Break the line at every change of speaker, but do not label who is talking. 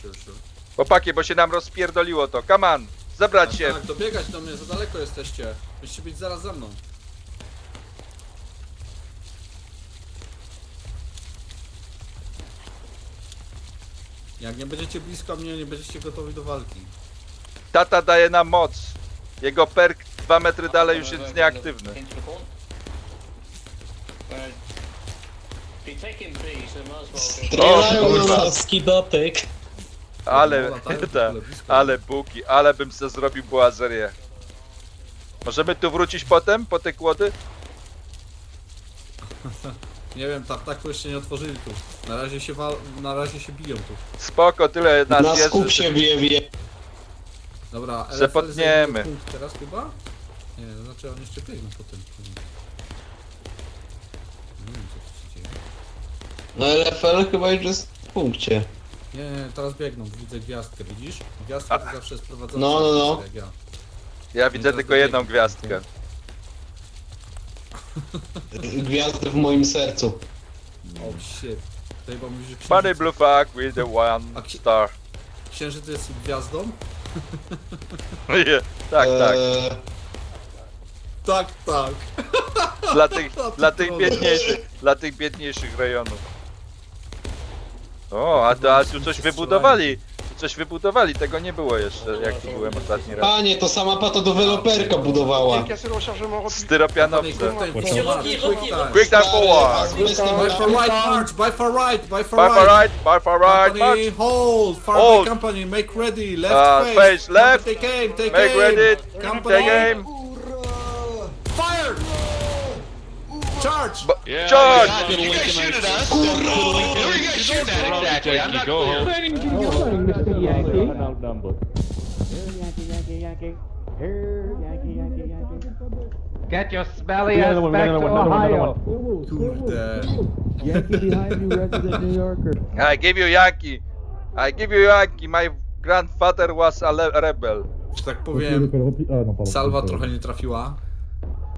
sure.
Chłopaki, bo się nam rozpierdoliło to. Come on, zebrać się.
Tak, dobiegać do mnie, za daleko jesteście. Musicie być zaraz za mną. Jak nie będziecie blisko mnie, nie będziecie gotowi do walki.
Tata daje nam moc. Jego perk 2 metry dalej już jest nieaktywny.
Strzelają
kurwa.
na skidotyk.
Ale,
latają w
ta,
ogóle blisko.
ale buki, ale bym se zrobił boazerię. Możemy tu wrócić potem, po te kłody?
Nie wiem, tak jeszcze nie otworzyli tu. Na razie się biją tu.
Spoko, tyle nas
Na
jest.
skup
że-
się wie.
Dobra,
Se potniemy.
zajmuje punkt teraz chyba? Nie, to znaczy on jeszcze biegną po tym. Nie wiem co tu się dzieje.
No LFL chyba już jest w punkcie.
Nie, teraz biegną, widzę gwiazdkę, widzisz? Gwiazdka to zawsze jest prowadzona.
No.
Jak ja.
Ja widzę
teraz
tylko jedną
dobiegną.
gwiazdkę.
Gwiazdy w moim sercu.
Oh shit. To chyba mówisz, że
Funny blue flag with the one
A ksi-
star.
księżyc jest gwiazdą?
Tak, tak.
Tak, tak.
Dla tych biedniejszych rejonów. O, a tu coś wybudowali. Tu coś wybudowali, tego nie było jeszcze, jak tu byłem ostatni raz.
Panie, to sama pato deweloperka budowała.
Styropianowce.
Quick time.
Quick time forward!
By for right, march! By for right! By for
Bye for
right!
right, bye for right,
Company,
march!
hold! Fire
Hold.
by company, make ready! Left
Face
face!
left.
Take aim! Take
Make
aim!
ready,
Company!
take aim!
Fire! Charge!
Charge!
You guys shoot at us. Who are you guys shooting at exactly? I'm not clear.
Get your smelly ass back to Ohio.
Kurde.
I give you Yankee! I give you Yankee! My grandfather was a rebel.
Że tak powiem, salwa trochę nie trafiła.